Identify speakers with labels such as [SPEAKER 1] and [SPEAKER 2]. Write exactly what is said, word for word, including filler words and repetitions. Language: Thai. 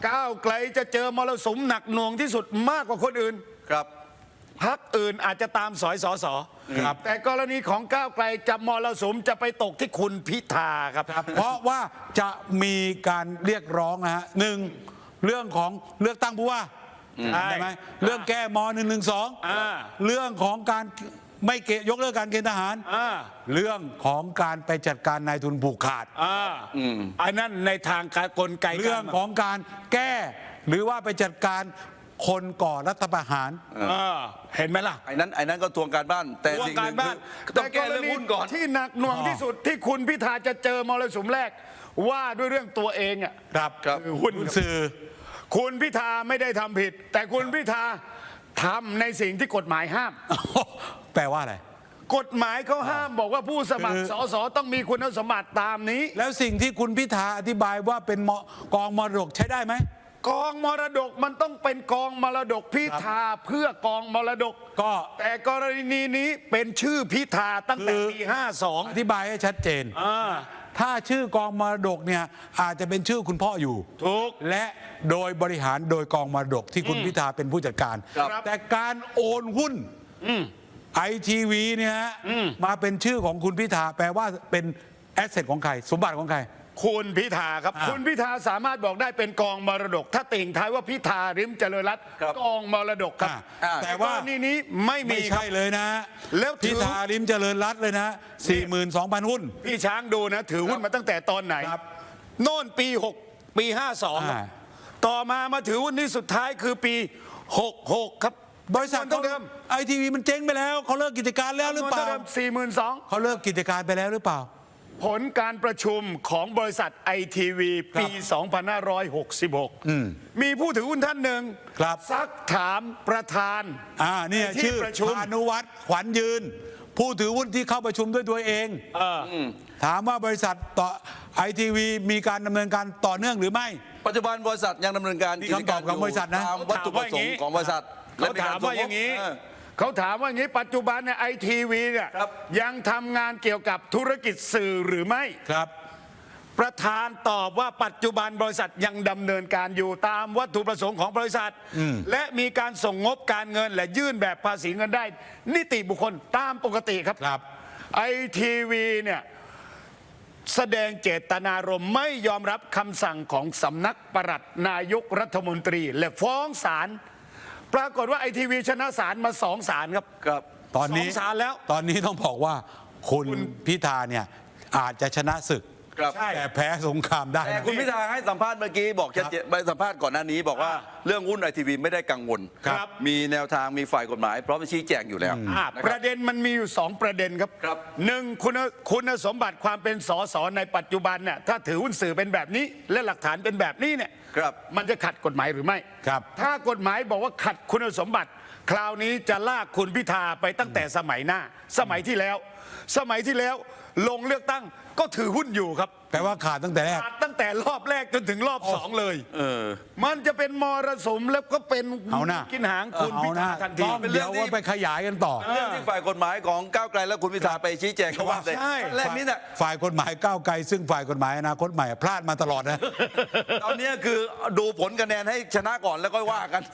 [SPEAKER 1] ก้าวไกลจะเจอมรสุมหนักหน่วงที่สุดมากกว่าคนอื่น
[SPEAKER 2] ครับ
[SPEAKER 1] พรรคอื่นอาจจะตามสอยสอสอ
[SPEAKER 3] ครับ
[SPEAKER 1] แต่กรณีของก้าวไกลจะมรสุมจะไปตกที่คุณพิธาครับ
[SPEAKER 3] เพราะว่าจะมีการเรียกร้องนะฮะหนึ่งเรื่องของเลือกตั้งผู้ว่า
[SPEAKER 1] ใช่
[SPEAKER 3] ใช่ไหมเรื่องแก้มหนึ่งหนึ่งสอง
[SPEAKER 1] อ่า
[SPEAKER 3] เรื่องของการไม่เกยกเลิกการเกณฑ์ทหาร
[SPEAKER 1] อ่า
[SPEAKER 3] เรื่องของการไปจัดการนายทุนผูกขาด
[SPEAKER 1] อ่าอันนั้นในทางการกลไก
[SPEAKER 3] เรื่องของการแก้ หรือว่าไปจัดการคนก่อรัฐประหาร
[SPEAKER 1] เออเห็นไหมล่ะ
[SPEAKER 2] ไอ้นั้นไอ้นั้นก็ทวงการบ้าน แต่
[SPEAKER 1] วง
[SPEAKER 2] สิ่งห
[SPEAKER 1] การ
[SPEAKER 2] นึ่ง
[SPEAKER 1] บ้าน
[SPEAKER 2] คือต้องแก้เรื่องหุ้นก่อน
[SPEAKER 1] ที่หนักหน่วงที่สุดที่คุณพิธาจะเจอมรสุมแรกว่าด้วยเรื่องตัวเองอ่ะ
[SPEAKER 3] ครับ
[SPEAKER 2] ครับ
[SPEAKER 1] คือหุ้น
[SPEAKER 3] สื่อ
[SPEAKER 1] คุณพิธาไม่ได้ทำผิด แต่คุณพิธาทำในสิ่งที่กฎหมายห้าม
[SPEAKER 3] แปลว่าอะไร
[SPEAKER 1] กฎหมายเขาห้ามบอกว่าผู้สมัคร
[SPEAKER 3] คือ
[SPEAKER 1] สสต้องมีคุณสมบัติตามนี้
[SPEAKER 3] แล้วสิ่งที่คุณพิธาอธิบายว่าเป็นมกองมรดกใช้ได้ไหม
[SPEAKER 1] กองมรดกมันต้องเป็นกองมรดกพิธาเพื่อกองมรดก
[SPEAKER 3] ก็
[SPEAKER 1] แต่กรณีนี้เป็นชื่อพิธาตั้งแต่
[SPEAKER 3] คือ
[SPEAKER 1] ปีห้าสอง
[SPEAKER 3] อธิบายให้ชัดเจน
[SPEAKER 1] อ่า
[SPEAKER 3] ถ้าชื่อกองมรดกเนี่ยอาจจะเป็นชื่อคุณพ่ออยู่
[SPEAKER 1] ถูก
[SPEAKER 3] และโดยบริหารโดยกองมรดกที่คุณพิธาเป็นผู้จัดการ
[SPEAKER 2] ครับ
[SPEAKER 3] แต่การโอนหุ้นไอทีวีเนี่ยฮะมาเป็นชื่อของคุณพิธาแปลว่าเป็นแอสเซทของใคร สมบัติของใคร
[SPEAKER 1] คุณพิธาครับ
[SPEAKER 3] อ่า
[SPEAKER 1] คุณพิธาสามารถบอกได้เป็นกองมรดก ถ้าติ่งท้ายว่าพิธาริมเจริญรัตน์
[SPEAKER 2] ครับ
[SPEAKER 1] กองมรดกครับ
[SPEAKER 3] อ่าแต่ว่า
[SPEAKER 1] กรณีนี้ไม่มี
[SPEAKER 3] ไม่
[SPEAKER 1] ครั
[SPEAKER 3] ใช่
[SPEAKER 1] บ
[SPEAKER 3] เลยนะ
[SPEAKER 1] แล้วถือ
[SPEAKER 3] พิธาลิมเจริญรัตน์เลยนะ สี่หมื่นสองพัน หุ้น
[SPEAKER 1] พี่ช้างดูนะ ถือหุ้นมาตั้งแต่ตอนไหน
[SPEAKER 3] ครับ
[SPEAKER 1] โน่นปีหกปีห้าสอง
[SPEAKER 3] อ่า
[SPEAKER 1] ต่อมามาถือหุ้นนี้สุดท้ายคือปีหกหกครับ
[SPEAKER 3] บริษัท
[SPEAKER 1] เท่าเดิม
[SPEAKER 3] ไอทีวีมันเจ๊งไปแล้วเขาเลิกกิจการแล้วหรือเปล่า
[SPEAKER 1] สี่หมื่นสอง
[SPEAKER 3] เขาเลิกกิจการไปแล้วหรือเปล่า
[SPEAKER 1] ผลการประชุมของบริษัทไอทีวีปี สองพันห้าร้อยหกสิบหก มีผู้ถือหุ้นท่านหนึ่ง
[SPEAKER 3] ครับ
[SPEAKER 1] ซักถามประธาน
[SPEAKER 3] อ่าเนี่ย
[SPEAKER 1] ที่
[SPEAKER 3] ชื่อ
[SPEAKER 1] ประชุม
[SPEAKER 3] พานุวัฒน์ขวัญยืน ผู้ถือหุ้นที่เข้าประชุมด้วยตัวเอง
[SPEAKER 1] เอออ
[SPEAKER 3] ถามว่าบริษัทต่อไอทีวีมีการดำเนินการต่อเนื่องหรือไม่
[SPEAKER 2] ปัจจุบันบริษัทยังดำเนินการ
[SPEAKER 3] นี่
[SPEAKER 2] กิจการ
[SPEAKER 3] คำตอบของบริษัทนะ
[SPEAKER 2] ตามวัตถุประสงค์ของบริษัท
[SPEAKER 1] เขาถามว่าอย่างนี้
[SPEAKER 2] นี้
[SPEAKER 1] เขาถามว่าอย่างนี้ปัจจุบันเนี่ยไอทีวีเนี่ย
[SPEAKER 2] ครับ
[SPEAKER 1] ยังทำงานเกี่ยวกับธุรกิจสื่อหรือไม่
[SPEAKER 3] ครับ
[SPEAKER 1] ประธานตอบว่าปัจจุบันบริษัทยังดำเนินการอยู่ตามวัตถุประสงค์ของบริษัท และมีการส่งงบการเงินและยื่นแบบภาษีเงินได้ นิติบุคคลตามปกติครับ
[SPEAKER 3] ครับ
[SPEAKER 1] ไอทีวีเนี่ยแสดงเจตนารมณ์ไม่ยอมรับคำสั่งของสำนักปลัดนายกรัฐมนตรี และฟ้องศาลปรากฏว่าไอทีวีชนะศาลมาสองศาลครับ
[SPEAKER 2] ครับ
[SPEAKER 3] ตอนนี้
[SPEAKER 1] สองศาลแล้ว
[SPEAKER 3] ตอนนี้ต้องบอกว่าคุณพิธาเนี่ยอาจจะชนะศึก
[SPEAKER 2] ครับ
[SPEAKER 1] ใช่
[SPEAKER 3] แต่แพ้สงครามได้
[SPEAKER 2] แต่
[SPEAKER 3] นะ
[SPEAKER 2] คุณพิธาให้สัมภาษณ์เมื่อกี้บอกชัดเจนไปสัมภาษณ์ก่อนหน้านี้บอกว่า
[SPEAKER 1] อ่า
[SPEAKER 2] เรื่องหุ้นไอทีวีไม่ได้กังวล
[SPEAKER 1] ครับ
[SPEAKER 2] มีแนวทางมีฝ่ายกฎหมายพร้อมจะชี้แจงอยู่แล้ว
[SPEAKER 1] อ่า
[SPEAKER 2] นะ
[SPEAKER 1] ป
[SPEAKER 2] ครั
[SPEAKER 1] ระ
[SPEAKER 2] บ
[SPEAKER 1] เด็นมันมีอยู่สองประเด็นครับ
[SPEAKER 2] ครับ
[SPEAKER 1] หนึ่งคุณคุณสมบัติความเป็นสสในปัจจุบันเนี่ยถ้าถือหุ้นสื่อเป็นแบบนี้ และหลักฐานเป็นแบบนี้เนี่ย
[SPEAKER 2] ครับ
[SPEAKER 1] มันจะขัดกฎหมายหรือไม่
[SPEAKER 3] ครับ
[SPEAKER 1] ถ้ากฎหมายบอกว่าขัดคุณสมบัติ คราวนี้จะลากคุณพิธาไปตั้งแต่สมัยหน้า สมัยที่แล้ว สมัยที่แล้วลงเลือกตั้งก็ถือหุ้นอยู่ครับ
[SPEAKER 3] แปลว่าขาดตั้งแต่แรก
[SPEAKER 1] ขาดตั้งแต่รอบแรกจนถึงรอบสองเลย
[SPEAKER 2] เออ
[SPEAKER 1] มันจะเป็นมรสุมแล้วก็เป็น
[SPEAKER 3] เอาหน้า
[SPEAKER 1] กินหางคุณ
[SPEAKER 3] เอา
[SPEAKER 1] พิ
[SPEAKER 3] นะ
[SPEAKER 1] ธาทันที
[SPEAKER 3] ต้อง
[SPEAKER 2] เป็นเรื่
[SPEAKER 3] เดี๋
[SPEAKER 2] อย ง
[SPEAKER 3] ว
[SPEAKER 2] ที่
[SPEAKER 3] ว่าไปขยายกันต่อ
[SPEAKER 2] เรื่องที่ฝ่ายกฎหมายของก้าวไกลและคุณพิธาไปชี้แจงเขาว่า
[SPEAKER 1] ใช่
[SPEAKER 2] แรกนี้เนี่ย
[SPEAKER 3] ฝ่ายกฎหมายก้าวไกลซึ่งฝ่ายกฎหมายอนาคตใหม่พลาดมาตลอดนะ
[SPEAKER 2] ตอนนี้คือดูผลคะแนนให้ชนะก่อนแล้วก็ว่ากัน